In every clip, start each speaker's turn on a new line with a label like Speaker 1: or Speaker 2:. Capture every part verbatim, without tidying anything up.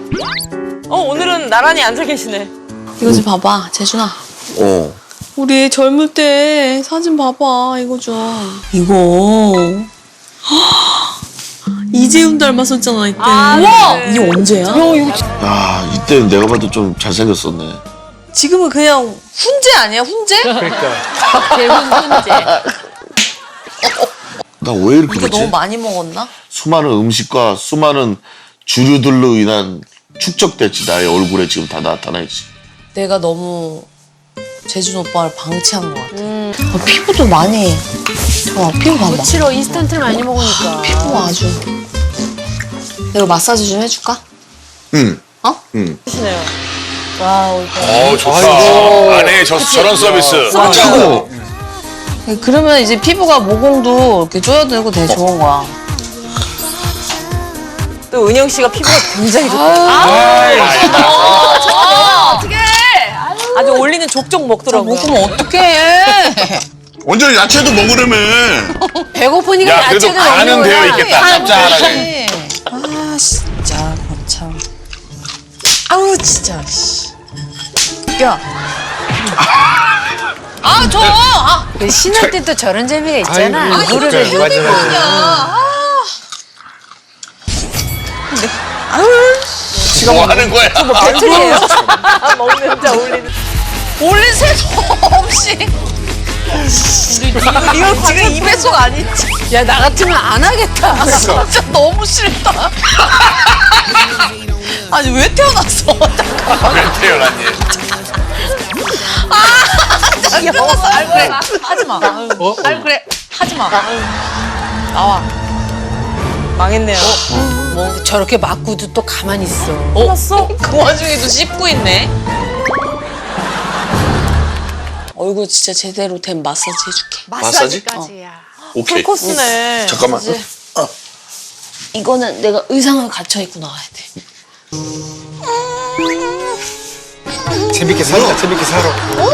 Speaker 1: 어 오늘은 나란히 앉아 계시네.
Speaker 2: 이거 좀 봐봐, 재준아.
Speaker 3: 어.
Speaker 2: 우리 젊을 때 사진 봐봐, 이거 좀. 이거. 이재훈 닮았었잖아, 이때.
Speaker 1: 아,
Speaker 2: 우와!
Speaker 1: 그래.
Speaker 2: 이게 언제야? 야, 이거
Speaker 3: 야, 이때는 내가 봐도 좀 잘생겼었네.
Speaker 2: 지금은 그냥 훈제 아니야, 훈제?
Speaker 1: 대훈 훈제.
Speaker 3: 나 왜 이렇게
Speaker 2: 이거
Speaker 3: 됐지?
Speaker 2: 너무 많이 먹었나?
Speaker 3: 수많은 음식과 수많은 주류들로 인한 축적됐지. 나의 얼굴에 지금 다 나타나있지.
Speaker 2: 내가 너무 재준 오빠를 방치한 것 같아. 음. 아, 피부도 많이. 저 피부 봐봐.
Speaker 1: 싫어 인스턴트를 많이 먹으니까.
Speaker 2: 피부 아주. 내가 마사지 좀 해줄까?
Speaker 3: 응.
Speaker 2: 어?
Speaker 3: 응.
Speaker 1: 하시네요. 와 오늘.
Speaker 4: 어 좋다. 안에 저 저런 서비스.
Speaker 3: 최고.
Speaker 2: 그러면 이제 피부가 모공도 이렇게 쪼여들고 되게 좋은 거야.
Speaker 1: 또 은영 씨가 피부가 굉장히 좋다.
Speaker 4: 아,
Speaker 1: 아주 올리는 족족 먹더라고요.
Speaker 2: 먹으면 어떡해.
Speaker 3: 완전 야채도 먹으려며.
Speaker 1: 배고프니까
Speaker 4: 야 그래도
Speaker 1: 야채를
Speaker 4: 간은
Speaker 1: 먹는
Speaker 4: 되어
Speaker 1: 거야.
Speaker 4: 있겠다. 짭짤하게.
Speaker 2: 아 진짜 거참. 아우 진짜. 씨. 야. 아 저. 아.
Speaker 1: 신혼 때 또 저런 재미가 있잖아.
Speaker 4: 그래, 맞아 맞아. 지금 뭐 하는 거야?
Speaker 1: 배틀이에요. 먹는 자 올리는.
Speaker 2: 올린 새도 없이. 이거 지금 이 배속 아니지?
Speaker 1: 야 나 같으면 안 하겠다.
Speaker 2: 진짜 너무 싫다. 아니 왜 태어났어? 잠깐만.
Speaker 4: 왜 태어났니?
Speaker 2: 아, 태어났어. 아 그래. 하지 마. 어? 아 그래. 하지 마. 나와.
Speaker 1: 망했네요.
Speaker 5: 뭐 저렇게 맞고도 또 가만히 있어.
Speaker 1: 끝났어?
Speaker 2: 그 와중에도 씹고 있네. 얼굴 진짜 제대로 된 마사지 해줄게.
Speaker 3: 마사지?
Speaker 5: 마사지까지야.
Speaker 3: 오케이.
Speaker 1: 풀코스네.
Speaker 3: 잠깐만.
Speaker 2: 이거는 내가 의상을 갖춰 입고 나와야 돼.
Speaker 6: 재밌게 살자, 재밌게 살아.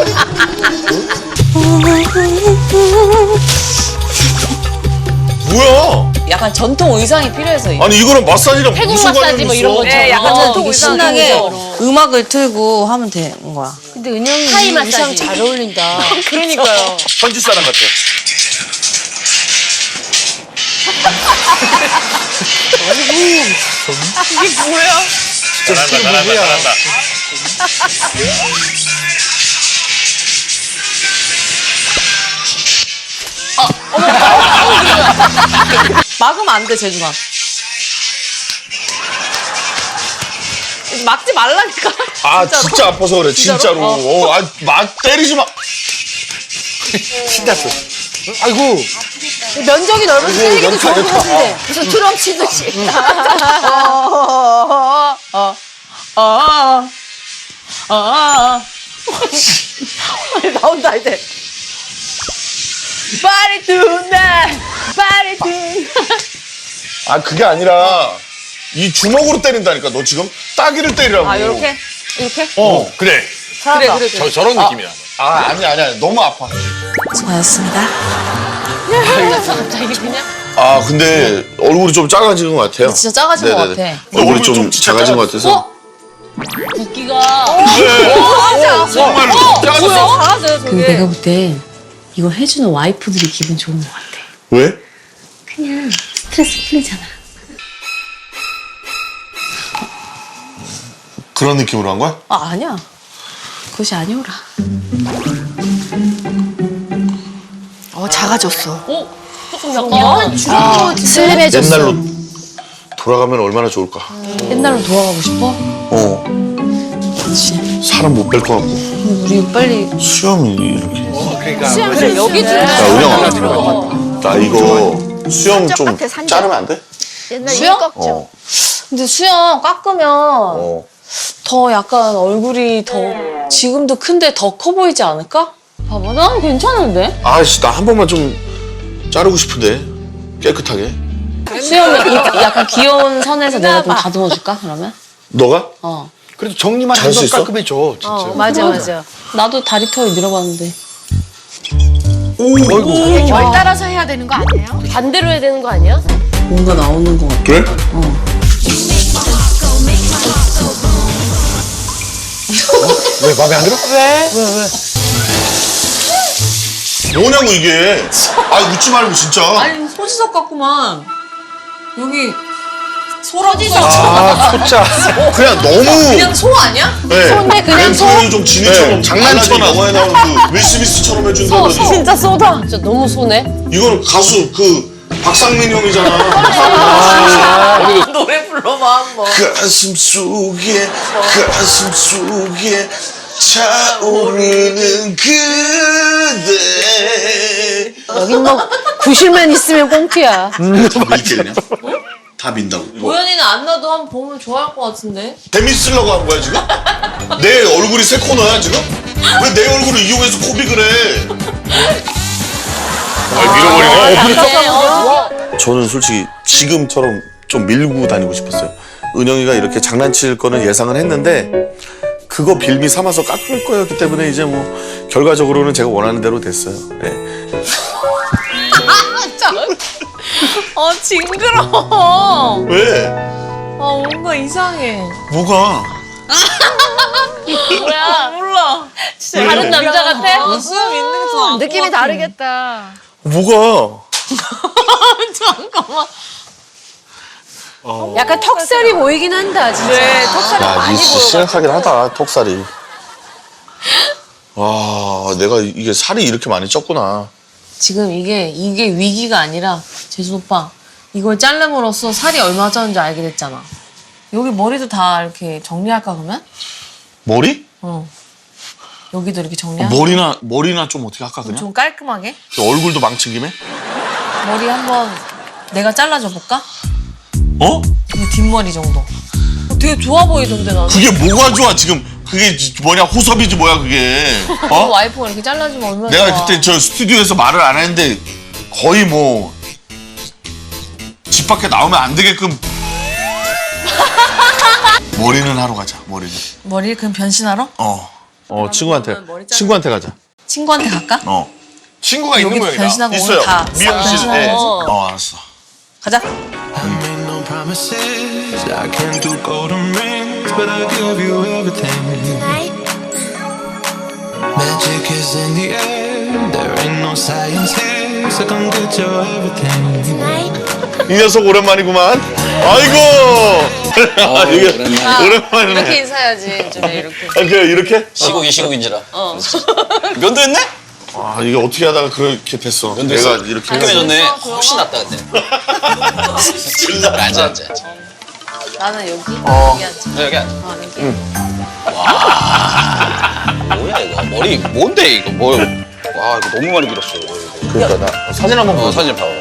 Speaker 3: 뭐야?
Speaker 2: 약간 전통 의상이 필요해서 이거.
Speaker 3: 아니 이거는 마사지랑
Speaker 5: 태국
Speaker 3: 무슨
Speaker 5: 마사지
Speaker 3: 관련이
Speaker 5: 뭐
Speaker 3: 있어?
Speaker 5: 이런 것처럼.
Speaker 1: 네, 약간
Speaker 2: 어,
Speaker 1: 전통
Speaker 2: 되게
Speaker 1: 의상
Speaker 2: 신나게
Speaker 1: 기본적으로.
Speaker 2: 음악을 틀고 하면 되는 거야.
Speaker 5: 근데 은영이
Speaker 1: 타이
Speaker 5: 이
Speaker 1: 마사지.
Speaker 5: 의상 잘 어울린다.
Speaker 1: 그러니까요.
Speaker 3: 현지 사람 같아.
Speaker 1: 이게 뭐야?
Speaker 4: 잘한다 잘한다 잘한다.
Speaker 1: 막으면 안 돼, 재준아. 막지 말라니까.
Speaker 3: 아 진짜 아파서 그래 진짜로. 어, 아, 막 때리지 마.
Speaker 6: 신났어. 아이고,
Speaker 5: 면적이 넓은
Speaker 3: 아이고,
Speaker 5: 쓰레기도
Speaker 3: 연타,
Speaker 5: 좋은 것
Speaker 3: 연타.
Speaker 5: 같은데. 무슨 트럼 치듯이.
Speaker 1: 어, 어, 어, 어. 나온다, 이제. Body tonight, body tonight.
Speaker 3: 아 그게 아니라 이 주먹으로 때린다니까. 너 지금 따기를 때리라고.
Speaker 1: 아, 요렇게? 이렇게?
Speaker 3: 어.
Speaker 4: 그래.
Speaker 1: 그래, 그래, 그래.
Speaker 4: 저 저런 느낌이야.
Speaker 3: 아 아니야 아니야 너무 아파.
Speaker 2: 수고하셨습니다.
Speaker 5: 갑자기 그냥.
Speaker 3: 아 근데 얼굴이 좀 작아진 것 같아요.
Speaker 2: 진짜 작아진 것
Speaker 3: 네네네.
Speaker 2: 같아.
Speaker 3: 얼굴이
Speaker 4: 얼굴
Speaker 3: 좀
Speaker 4: 좀 진짜
Speaker 3: 작아진 것
Speaker 4: 작아졌어.
Speaker 3: 같아서.
Speaker 5: 붓기가.
Speaker 3: 정말로 작아졌어.
Speaker 1: 잘하세요, 저게.
Speaker 2: 근데 내가 볼 때 이거 해주는 와이프들이 기분 좋은 것 같아.
Speaker 3: 왜?
Speaker 2: 그냥 스트레스 풀리잖아.
Speaker 3: 그런 느낌으로 한 거야?
Speaker 2: 아 아니야. 그것이 아니오라.
Speaker 5: 어 작아졌어.
Speaker 1: 어? 조금
Speaker 5: 연
Speaker 1: 약간.
Speaker 5: 주름도 슬림해졌어.
Speaker 3: 옛날로 돌아가면 얼마나 좋을까.
Speaker 2: 옛날로 돌아가고 싶어?
Speaker 3: 어.
Speaker 2: 그렇지.
Speaker 3: 사람 못 뺄 것 같고.
Speaker 2: 근데 우리 빨리
Speaker 3: 수염이 이렇게.
Speaker 6: 그러니까.
Speaker 1: 그래, 여기 좀.
Speaker 3: 야 은영아. 나 이거 수염 좀 자르면 안 돼?
Speaker 5: 옛날
Speaker 2: 수영?
Speaker 3: 어.
Speaker 2: 근데 수영 깎으면
Speaker 3: 어.
Speaker 2: 더 약간 얼굴이 더 지금도 큰데 더 커 보이지 않을까? 봐봐, 난 괜찮은데?
Speaker 3: 아씨 나 한 번만 좀 자르고 싶은데 깨끗하게.
Speaker 2: 수영이 이- 약간 귀여운 선에서 내가 좀 다듬어 줄까? 그러면?
Speaker 3: 너가?
Speaker 2: 어.
Speaker 6: 그래도 정리만
Speaker 3: 잘수
Speaker 6: 해도
Speaker 3: 있어?
Speaker 6: 깔끔해져, 진짜.
Speaker 5: 어 맞아 맞아.
Speaker 2: 나도 다리 털 밀어봤는데.
Speaker 6: 어이구.
Speaker 5: 결 따라서 해야 되는 거 아니에요?
Speaker 1: 반대로 해야 되는 거 아니야?
Speaker 2: 뭔가 나오는 것 같아.
Speaker 3: 그래?
Speaker 2: 어.
Speaker 6: 왜 마음에 안 들어?
Speaker 3: 뭐냐고 이게. 아 웃지 말고 진짜.
Speaker 2: 아니 소지섭 같구만. 여기 소라지섭.
Speaker 6: 아 소자.
Speaker 3: 그냥 너무.
Speaker 2: 그냥 소 아니야?
Speaker 3: 네.
Speaker 5: 손에 그냥 소?
Speaker 3: 멘트를 좀 진이처럼
Speaker 6: 네.
Speaker 3: 장난쳐나 영화에 나오는 그 윌 스미스처럼 해준다더니
Speaker 1: 진짜 쏘다. 진짜 너무 쏘네.
Speaker 3: 이거는 가수 그 박상민 형이잖아.
Speaker 2: 노래 불러봐 한번.
Speaker 3: 가슴 속에 가슴 속에 차오르는 그대.
Speaker 5: 여긴 뭐 구실만 있으면 꽁트야.
Speaker 3: 다 밀겠냐? 다 민다고. 뭐,
Speaker 2: 도현이는 안 나도 한번 보면 좋아할 것 같은데.
Speaker 3: 재밌으려고 한 거야 지금? 내 얼굴이 새 코너야 지금? 왜 내 얼굴을 이용해서 코빅을 해? 아 밀어버리네. 저는 솔직히 지금처럼 좀 밀고 다니고 싶었어요. 은영이가 이렇게 장난칠 거는 예상은 했는데 그거 빌미 삼아서 깎을 거였기 때문에 이제 뭐 결과적으로는 제가 원하는 대로 됐어요. 네.
Speaker 2: 어 징그러워.
Speaker 3: 왜?
Speaker 2: 아 뭔가 이상해.
Speaker 3: 뭐가?
Speaker 2: 뭐야? 몰라. 진짜
Speaker 1: 다른 남자 같아?
Speaker 2: 어, 수염 있는 거
Speaker 5: 느낌이 다르겠다.
Speaker 3: 뭐가?
Speaker 2: 잠깐만.
Speaker 5: 약간 턱살이 보이긴 한다, 진짜.
Speaker 2: 네, 턱살이
Speaker 3: 야,
Speaker 2: 많이
Speaker 3: 니
Speaker 2: 보여.
Speaker 3: 심각하긴 하다, 턱살이. 와, 내가 이게 살이 이렇게 많이 쪘구나.
Speaker 2: 지금 이게 이게 위기가 아니라 재수 오빠 이걸 자름으로써 살이 얼마 쪘는지 알게 됐잖아. 여기 머리도 다 이렇게 정리할까 그러면?
Speaker 3: 머리?
Speaker 2: 어. 여기도 이렇게 정리할까?
Speaker 3: 머리나, 머리나 좀 어떻게 할까, 그냥?
Speaker 2: 좀 깔끔하게?
Speaker 3: 얼굴도 망친 김에?
Speaker 2: 머리 한번 내가 잘라줘 볼까?
Speaker 3: 어?
Speaker 2: 이 뒷머리 정도. 어, 되게 좋아 보이던데 나는.
Speaker 3: 그게 뭐가 좋아, 지금. 그게 뭐냐, 호섭이지 뭐야, 그게.
Speaker 2: 어?
Speaker 3: 어?
Speaker 2: 와이프가 이렇게 잘라주면 얼마나
Speaker 3: 내가
Speaker 2: 좋아.
Speaker 3: 그때 저 스튜디오에서 말을 안 했는데 거의 뭐, 집 밖에 나오면 안 되게끔. 머리는 하러 가자, 머리는.
Speaker 2: 머리 그럼 변신하러?
Speaker 3: 어. 어, 친구한테.
Speaker 2: 머리 자르-
Speaker 3: 친구한테 가자.
Speaker 2: 친구한테 갈까?
Speaker 3: 어. 친구가 있는
Speaker 2: 여기
Speaker 3: 모양이다.
Speaker 2: 변신하고 오늘
Speaker 3: 있어요.
Speaker 2: 다
Speaker 3: 미용실.
Speaker 2: 변신하고
Speaker 3: 예.
Speaker 2: 오지?
Speaker 3: 어, 알았어.
Speaker 2: 가자.
Speaker 7: made no promises. I can't do golden rings, but I'll give you everything. Magic is in the air. There ain't no science here, so come get your everything.
Speaker 3: 이 녀석 오랜만이구만. 아이고. 아, 이게 오랜만이네.
Speaker 2: 이렇게 인사해야지. 좀 이렇게.
Speaker 3: 아, 그래 이렇게?
Speaker 4: 시국이 시국인지라. 어. 면도했네?
Speaker 3: 아, 이게 어떻게 하다가 그렇게 됐어. 내가 이렇게
Speaker 4: 깔끔해졌네. 훨씬 낫다 근데. 앉아 앉아 앉아.
Speaker 2: 나는 여기.
Speaker 3: 어.
Speaker 2: 여기 앉아.
Speaker 4: 네, 여기 앉아.
Speaker 2: 어, 여기.
Speaker 4: 뭐야 이거 머리 뭔데 이거 뭐? 와 이거 너무 많이 길었어. 이거.
Speaker 3: 그러니까 나 사진 한번
Speaker 4: 어
Speaker 3: 보자.
Speaker 4: 사진 봐봐.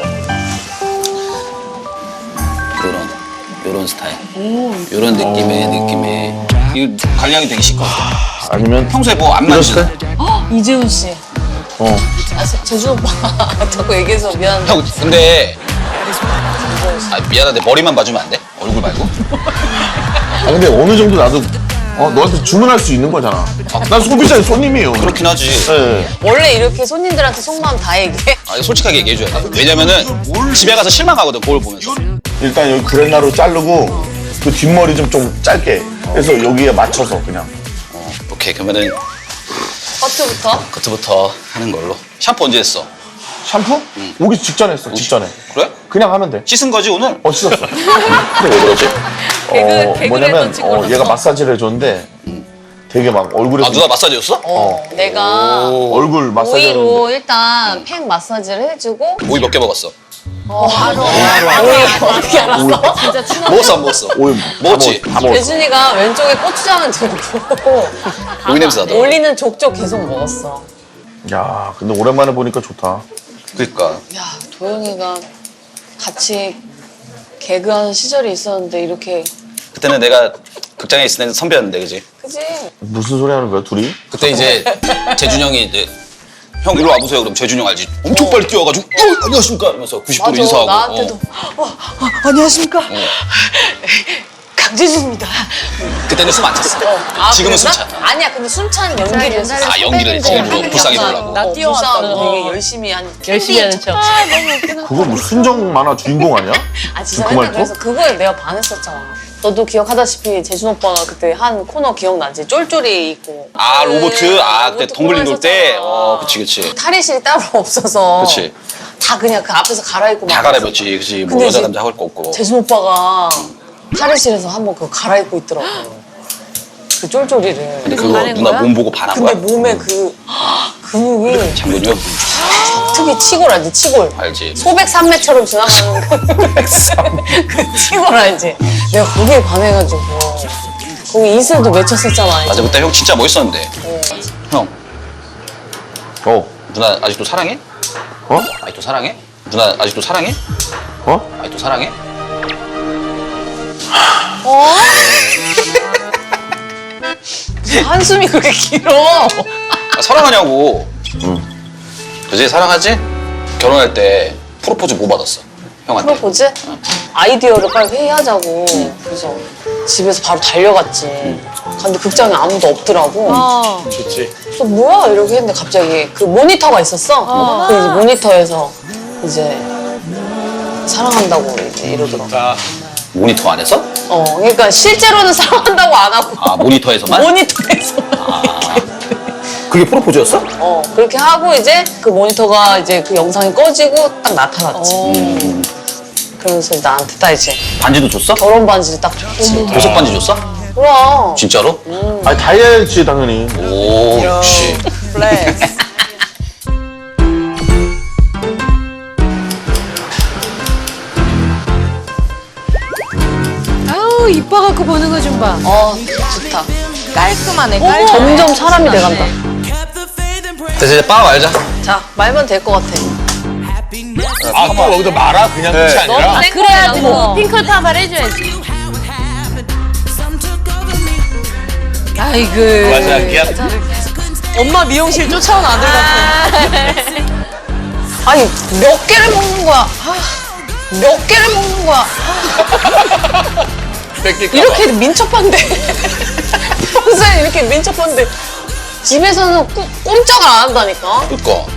Speaker 4: 요런 요런 스타일. 요런 느낌의 느낌의 이거 관리하기 되게 쉽거든.
Speaker 3: 아니면
Speaker 4: 평소에 뭐 안
Speaker 3: 이런
Speaker 4: 만지잖아.
Speaker 3: 스타일?
Speaker 2: 이재훈 씨.
Speaker 3: 어.
Speaker 2: 아, 제- 재준 오빠 자꾸 얘기해서 미안한데.
Speaker 4: 형 근데 아, 미안한데 머리만 봐주면 안 돼? 얼굴 말고?
Speaker 3: 아 근데 어느 정도 나도 어 너한테 주문할 수 있는 거잖아. 난 소비자의 손님이에요.
Speaker 4: 그렇긴 하지.
Speaker 3: 예.
Speaker 2: 원래 이렇게 손님들한테 속마음 다 얘기해?
Speaker 4: 아, 솔직하게 얘기해줘야 돼. 왜냐면은 집에 가서 실망하거든 거울 보면서.
Speaker 3: 일단 여기 그레나루 자르고 그 뒷머리 좀 좀 짧게 해서 여기에 맞춰서 그냥.
Speaker 4: 오케이 그러면은
Speaker 2: 커트부터?
Speaker 4: 그때부터 하는 걸로. 샴푸 언제 했어?
Speaker 3: 샴푸? 오기 직전에 했어. 직전에.
Speaker 4: 그래?
Speaker 3: 그냥 하면 돼.
Speaker 4: 씻은 거지 오늘?
Speaker 3: 어 씻었어.
Speaker 4: 근데 왜 그러지?
Speaker 2: 개그-
Speaker 3: 어
Speaker 2: 개그맨
Speaker 3: 뭐냐면
Speaker 2: 던진
Speaker 3: 어,
Speaker 2: 거라서.
Speaker 3: 얘가 마사지를 해줬는데 되게 막 얼굴에서
Speaker 4: 아 누나 마사지였어?
Speaker 2: 어. 내가
Speaker 3: 얼굴 마사지
Speaker 2: 오이로
Speaker 3: 하는데
Speaker 2: 일단 팩 마사지를 해주고
Speaker 4: 오이 몇 개 먹었어?
Speaker 2: 어, 하루. 오이 어떻게 알았어? 진짜 친한
Speaker 4: 먹었어 안 먹었어?
Speaker 3: 오이
Speaker 4: 먹었지?
Speaker 3: 다 먹었어.
Speaker 2: 예준이가 왼쪽에 고추장을 들고
Speaker 4: 오이 냄새 나더라.
Speaker 2: 올리는 족족 계속 먹었어.
Speaker 3: 야 근데 오랜만에 보니까 좋다.
Speaker 4: 그러니까
Speaker 2: 야, 도영이가 같이 개그하는 시절이 있었는데 이렇게
Speaker 4: 그때는 내가 극장에 있을 때는 선배였는데 그지?
Speaker 2: 그지?
Speaker 3: 무슨 소리 하는 거야 둘이?
Speaker 4: 그때 이제 재준 형이 이제 형 이리 와보세요 그럼 재준 형 알지? 엄청 빨리 뛰어가지고 어, 안녕하십니까 이러면서 구십 도로
Speaker 2: 맞아,
Speaker 4: 인사하고
Speaker 2: 나한테도
Speaker 4: 어.
Speaker 2: 어, 어, 안녕하십니까? 강재준입니다.
Speaker 4: 그때는 숨 안 찼어.
Speaker 2: 아,
Speaker 4: 지금은
Speaker 2: 그랬나?
Speaker 4: 숨 차.
Speaker 2: 아니야, 근데 숨찬 연기를 했어.
Speaker 4: 아 연기를 했지 일부러 불쌍히 보려고.
Speaker 2: 나 뛰어왔다고 되게 열심히 한
Speaker 1: 열심히 하는 척.
Speaker 2: 아, 너무 웃기다.
Speaker 3: 그거 뭐 순정 만화 주인공 아니야?
Speaker 2: 아 진짜
Speaker 3: 그
Speaker 2: 맨날
Speaker 3: 말투?
Speaker 2: 그래서 그거에 내가 반했었잖아. 너도 기억하다시피 재준 오빠가 그때 한 코너 기억나지? 쫄쫄이 있고.
Speaker 4: 아 로보트 아 그때
Speaker 2: 로보트
Speaker 4: 덩글링 돌 때
Speaker 2: 코너
Speaker 4: 어
Speaker 2: 했었잖아.
Speaker 4: 그치 그치
Speaker 2: 탈의실이 따로 없어서.
Speaker 4: 그치
Speaker 2: 다 그냥 그 앞에서 갈아입고
Speaker 4: 다
Speaker 2: 막
Speaker 4: 갈아입었지 그치 뭐
Speaker 2: 근데
Speaker 4: 여자
Speaker 2: 이제
Speaker 4: 남자 할 거 없고
Speaker 2: 재준 오빠가 탈의실에서 한번 그거 갈아입고 있더라고. 그 쫄쫄이를.
Speaker 4: 근데 그거
Speaker 5: 반한
Speaker 4: 누나
Speaker 5: 거야?
Speaker 4: 몸 보고 반한
Speaker 2: 근데
Speaker 4: 거야?
Speaker 2: 몸에 그 근육이
Speaker 4: 장군이요?
Speaker 2: 특히 치골 알지? 치골.
Speaker 4: 알지
Speaker 2: 소백산맥처럼 지나가는 그, 그 치골 알지? 내가 거기에 반해가지고 거기 이슬도 맺혔었잖아.
Speaker 4: 맞아 그때 형 진짜 멋있었는데 형
Speaker 3: 어?
Speaker 4: 누나 아직도 사랑해?
Speaker 3: 어?
Speaker 4: 아직도 사랑해? 누나 아직도 사랑해?
Speaker 3: 어?
Speaker 4: 아직도 사랑해?
Speaker 2: 한숨이 그렇게 길어.
Speaker 4: 아, 사랑하냐고 그지 사랑하지? 결혼할 때 프로포즈 뭐 받았어? 형한테
Speaker 2: 프로포즈? 아이디어를 빨리 회의하자고. 그래서 집에서 바로 달려갔지. 근데 극장에 아무도 없더라고.
Speaker 5: 어.
Speaker 2: 그래서 뭐야 이렇게 했는데 갑자기 그 모니터가 있었어. 그 이제 모니터에서 이제 사랑한다고 이제 이러더라고.
Speaker 4: 모니터 안에서?
Speaker 2: 어, 그러니까 실제로는 사랑한다고 안 하고
Speaker 4: 아 모니터에서만?
Speaker 2: 모니터에서.
Speaker 4: 그게 프로포즈였어?
Speaker 2: 어, 그렇게 하고 이제 그 모니터가 이제 그 영상이 꺼지고 딱 나타났지. 음. 그러면서 나한테 딱 이제
Speaker 4: 반지도 줬어?
Speaker 2: 결혼 반지를 딱 줬지.
Speaker 4: 보석 반지 줬어?
Speaker 2: 그럼.
Speaker 4: 진짜로?
Speaker 3: 아니 다 해야지 당연히.
Speaker 4: 오 역시
Speaker 2: 플렉스.
Speaker 5: 아우 이뻐갖고 보는 거 좀 봐.
Speaker 2: 어, 좋다.
Speaker 5: 깔끔하네.
Speaker 2: 어, 점점 사람이 돼간다.
Speaker 4: 됐어 이제 빠 말자
Speaker 2: 자, 말면 될 것 같아.
Speaker 6: 아, 또 여기다 말아? 그냥 끝이 아니라?
Speaker 5: 아, 그래야지 뭐 핑클파발 해줘야지. 아이고.
Speaker 6: 맞아, 그냥
Speaker 2: 엄마 미용실 쫓아온 아들 같아. 아니, 몇 개를 먹는 거야? 아, 몇 개를 먹는 거야? 이렇게 민첩한데. 평소에 이렇게 민첩한데. 집에서는 꾸, 꼼짝을 안 한다니까.
Speaker 4: 그니까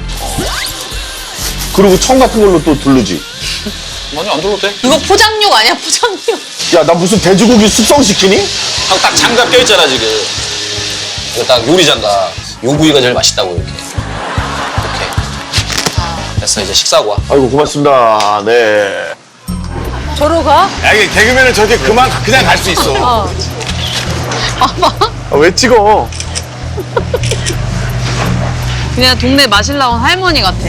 Speaker 3: 그리고 청 같은 걸로 또 두르지.
Speaker 4: 아니 안 들어도 돼
Speaker 2: 이거 포장육 아니야, 포장육.
Speaker 3: 야 나 무슨 돼지고기 숙성시키니?
Speaker 4: 형 딱 장갑 껴있잖아 지금 이거 딱 요리 장갑 요 부위가 제일 맛있다고 이렇게 이렇게 됐어 이제 식사하고 와
Speaker 3: 아이고 고맙습니다. 네.
Speaker 5: 저러 가?
Speaker 6: 야, 이게 개그맨은 저렇게 그만, 그냥 갈 수 있어.
Speaker 3: 아, 왜 찍어?
Speaker 2: 그냥 동네 마실 나온 할머니 같아.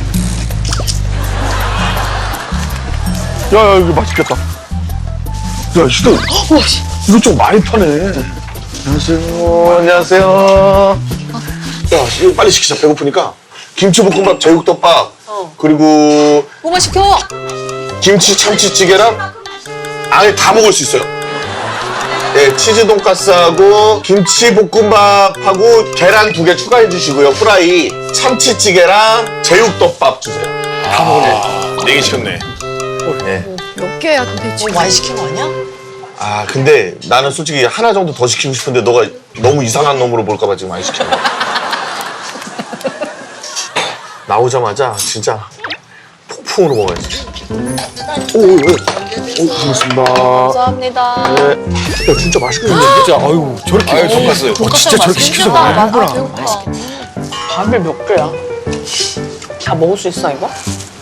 Speaker 3: 야야 이거 맛있겠다. 야 이거 이거 좀 많이 파네. 안녕하세요. 안녕하세요. 야 이거 빨리 시키자. 배고프니까. 김치볶음밥, 제육덮밥, 그리고
Speaker 2: 뭐만 시켜?
Speaker 3: 김치 참치찌개랑 안에 다 먹을 수 있어요. 네, 치즈 돈가스하고 김치볶음밥하고 계란 두 개 추가해 주시고요. 프라이, 참치찌개랑 제육덮밥 주세요. 다 먹을래.
Speaker 6: 네개 시켰네.
Speaker 3: 네.
Speaker 5: 몇 개야 도대체?
Speaker 2: 많이 시킨 거 아니야?
Speaker 3: 아 근데 나는 솔직히 하나 정도 더 시키고 싶은데 너가 너무 이상한 놈으로 볼까봐 지금 많이 시켰네. 나오자마자 진짜 폭풍으로 먹어야지. 오오오. 오, 고맙습니다.
Speaker 2: 감사합니다.
Speaker 3: 네. 야 진짜 맛있겠는데?
Speaker 6: 진짜, 아유, 저렇게. 아유, 돈가스. 어, 진짜 저렇게 시켜서 먹는구나.
Speaker 2: 밥을 몇 개야? 다 먹을 수 있어 이거?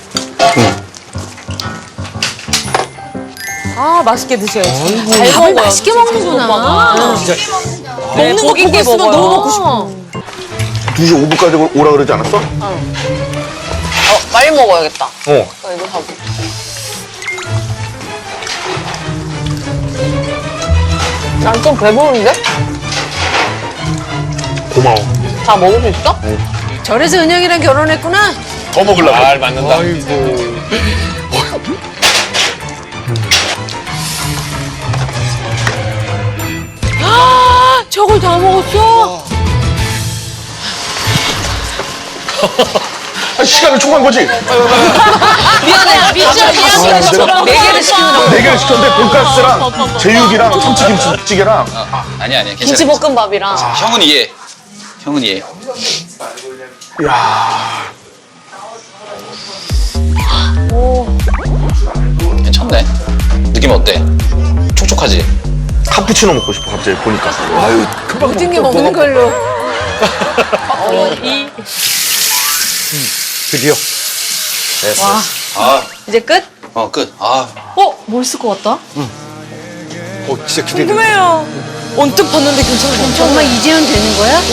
Speaker 5: 아 맛있게 드셔야지.
Speaker 2: 잘
Speaker 5: 밥을
Speaker 2: 먹어요.
Speaker 5: 맛있게 먹는구나.
Speaker 2: 먹는 거 보고 있으면 너무 먹고 싶어.
Speaker 3: 두 시 오 분까지 오라 그러지 않았어?
Speaker 2: 어, 빨리 먹어야겠다.
Speaker 3: 어.
Speaker 2: 나 이거 하고. 난 좀 배부른데?
Speaker 3: 고마워.
Speaker 2: 다 먹을 수 있어?
Speaker 5: 저래서 은영이랑 결혼했구나.
Speaker 3: 더 먹으려고.
Speaker 6: 말 맞는다.
Speaker 5: 저걸 다 먹었어?
Speaker 3: 아, 시간을 초과한 거지?
Speaker 2: 미안해. 미쳐. 미안해. 네 개를 시키느라고.
Speaker 3: 네 개를 시켰는데 돈가스랑 제육이랑 참치김치찌개랑
Speaker 4: 아, 아니야 아니야 괜찮아
Speaker 2: 김치볶음밥이랑.
Speaker 4: 형은 이해 형은 이해
Speaker 3: 야
Speaker 4: 괜찮네 느낌 어때? 촉촉하지?
Speaker 3: 카푸치노 먹고 싶어 갑자기 보니까.
Speaker 6: 아유, 금방
Speaker 5: 모든 게
Speaker 6: 먹-
Speaker 5: 먹는
Speaker 6: 먹어.
Speaker 5: 걸로.
Speaker 1: 어, 이.
Speaker 6: 드디어.
Speaker 4: 됐어.
Speaker 2: 와.
Speaker 4: 아,
Speaker 2: 이제 끝?
Speaker 4: 어, 끝. 아,
Speaker 2: 어? 멋있을 것 같다?
Speaker 6: 어, 진짜 기대돼.
Speaker 2: 궁금해요. 언뜻 봤는데 괜찮은 거
Speaker 5: 정말 이제는 되는 거야?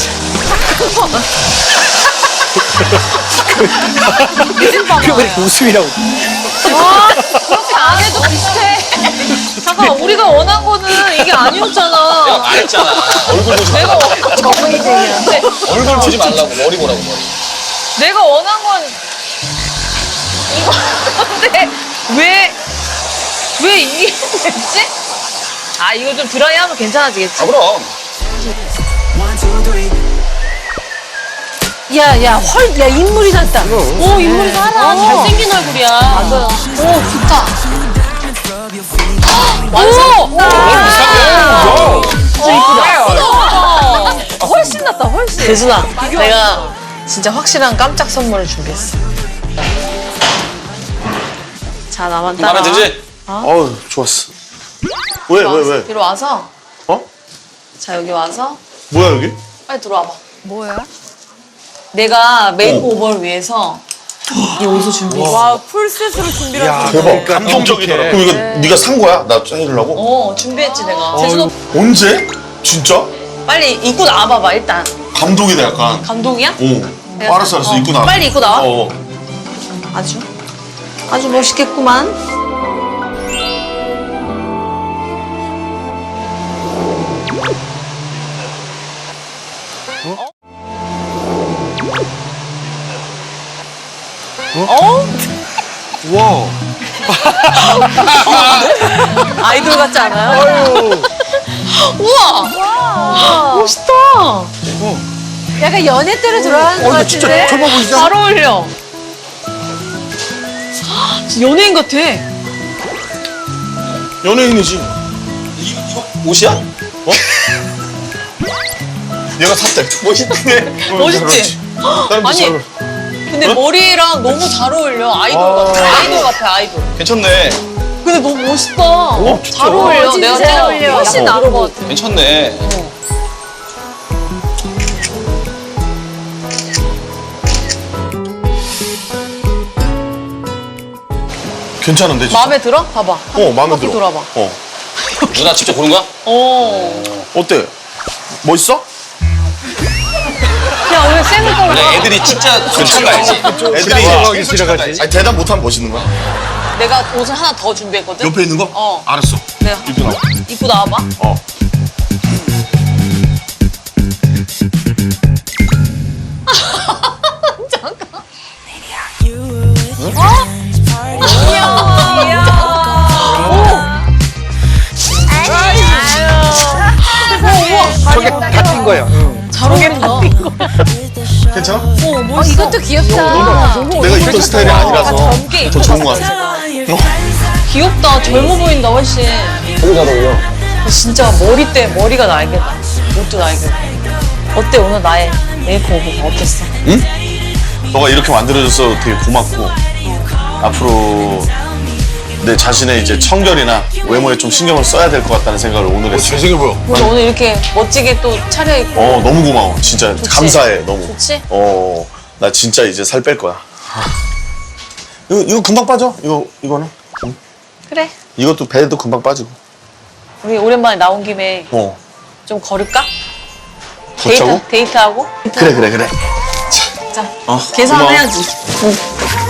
Speaker 6: 표현이 웃음이라고.
Speaker 2: 그렇게 안 해도 비슷해. 잠깐 우리가 원한 거는 이게 아니었잖아.
Speaker 4: 내가 말했잖아. 얼굴 보지
Speaker 2: 내가
Speaker 4: 말라고.
Speaker 2: 원- 정의쟁이야.
Speaker 4: 얼굴 보지 말라고. 머리 보라고, 머리.
Speaker 2: 내가 원한 건 이건데 왜 왜 이게 됐지? 아 이거 좀 드라이하면 괜찮아지겠지?
Speaker 4: 아, 그럼.
Speaker 5: 야, 야, 헐, 야, 인물이 났다.
Speaker 1: 오, 인물이 살아. 잘생긴 얼굴이야. 맞아.
Speaker 2: 오 좋다.
Speaker 1: 완성!
Speaker 2: 진짜 이쁘다. 훨씬 낫다 훨씬. 대순아 내가 진짜 확실한 깜짝 선물을 준비했어. 자 나만 따라.
Speaker 4: 마음에 들지?
Speaker 3: 어우 좋았어. 왜 왜 왜?
Speaker 2: 뒤로 와서.
Speaker 3: 어?
Speaker 2: 자 여기 와서
Speaker 3: 뭐야 여기?
Speaker 2: 빨리 들어와봐. 뭐야? 내가 메이크오버를 위해서 이 옷을 준비했어.
Speaker 5: 와, 풀셋으로 준비를
Speaker 6: 야,
Speaker 5: 하셨네.
Speaker 3: 대박.
Speaker 6: 그러니까
Speaker 3: 감동적이더라.
Speaker 6: 어떡해.
Speaker 3: 그럼 이거 네가 산 거야? 나 해주려고?
Speaker 2: 어 준비했지 내가. 제주도
Speaker 3: 언제? 진짜?
Speaker 2: 빨리 입고 나와봐봐 일단.
Speaker 3: 감동이다 약간.
Speaker 2: 감동이야?
Speaker 3: 오.
Speaker 2: 내가
Speaker 3: 알았어 알았어
Speaker 2: 어,
Speaker 3: 입고 나와.
Speaker 2: 빨리 입고 나와.
Speaker 3: 어.
Speaker 2: 아주 아주 멋있겠구만.
Speaker 6: 와.
Speaker 2: 아이돌 같지 않아요?
Speaker 6: 아유.
Speaker 2: 우와! 멋있다.
Speaker 5: 약간 연애 때로 돌아가는 것
Speaker 6: 어, 이거 진짜
Speaker 5: 같은데?
Speaker 6: 젊어 보이지?
Speaker 2: 잘 어울려. 진짜 연예인 같아.
Speaker 3: 연예인이지.
Speaker 4: 이, 이거 옷이야?
Speaker 3: 어? 얘가 샀대. 멋있네.
Speaker 2: 멋있지?
Speaker 3: 다른
Speaker 2: 아니,
Speaker 3: 잘
Speaker 2: 근데 머리랑 너무 잘 어울려. 아이돌 같아. 아이돌 같아, 아이돌.
Speaker 4: 괜찮네.
Speaker 2: 근데 너무 멋있다.
Speaker 3: 진짜?
Speaker 2: 잘 어울려.
Speaker 5: 어, 진짜
Speaker 2: 내가
Speaker 5: 잘
Speaker 2: 진짜
Speaker 5: 어울려.
Speaker 2: 훨씬 나은 것 같아.
Speaker 4: 괜찮네.
Speaker 3: 괜찮은데 진짜?
Speaker 2: 마음에 들어? 봐봐.
Speaker 3: 어 마음에
Speaker 2: 바퀴
Speaker 3: 들어.
Speaker 2: 돌아봐.
Speaker 3: 어.
Speaker 4: 누나 직접 고른 거야?
Speaker 2: 어.
Speaker 3: 어때? 멋있어?
Speaker 2: 야, 왜 쌩을 떠올려?
Speaker 4: 근데 애들이 진짜 솔직한 거 알지? 애들이
Speaker 6: 지나가기
Speaker 4: 솔직한 거 알지?
Speaker 6: 지나가지.
Speaker 3: 아니 대답 못하면 멋있는 거야?
Speaker 2: 내가 옷을 하나 더 준비했거든?
Speaker 3: 옆에 있는 거?
Speaker 2: 어.
Speaker 3: 알았어.
Speaker 2: 내가
Speaker 3: 입고 나와.
Speaker 2: 입고 나와봐.
Speaker 3: 어.
Speaker 6: 저게 다 뛴 거야. 응.
Speaker 2: 잘 어울린다.
Speaker 3: 괜찮아?
Speaker 5: 어, 이것도 귀엽다.
Speaker 3: 내가 입던 스타일이 아니라서
Speaker 2: 젊게
Speaker 3: 더 좋은 거 같아.
Speaker 2: 귀엽다. 젊어 보인다, 훨씬.
Speaker 4: 너무 잘 어울려.
Speaker 2: 진짜 머리때 머리가 날개다. 옷도 날개다. 어때, 오늘 나의 메이크오버가 어땠어?
Speaker 3: 너가 이렇게 만들어줘서 되게 고맙고 앞으로 내 자신의 이제 청결이나 외모에 좀 신경을 써야 될 것 같다는 생각을 오늘 했어.
Speaker 6: 잘생겨 보여.
Speaker 2: 그래서 오늘 이렇게 멋지게 또 차려입고.
Speaker 3: 어 너무 고마워. 진짜 감사해 너무.
Speaker 2: 좋지?
Speaker 3: 어 나 진짜 이제 살 뺄 거야. 이거 이거 금방 빠져. 이거 이거는. 응.
Speaker 2: 그래.
Speaker 3: 이것도 배도 금방 빠지고.
Speaker 2: 우리 오랜만에 나온 김에
Speaker 3: 어.
Speaker 2: 좀 걸을까?
Speaker 3: 걷자고?
Speaker 2: 데이트, 데이트하고?
Speaker 3: 그래 그래 그래.
Speaker 2: 자,
Speaker 3: 어,
Speaker 2: 계산해야지.
Speaker 3: 고마워.
Speaker 2: 응.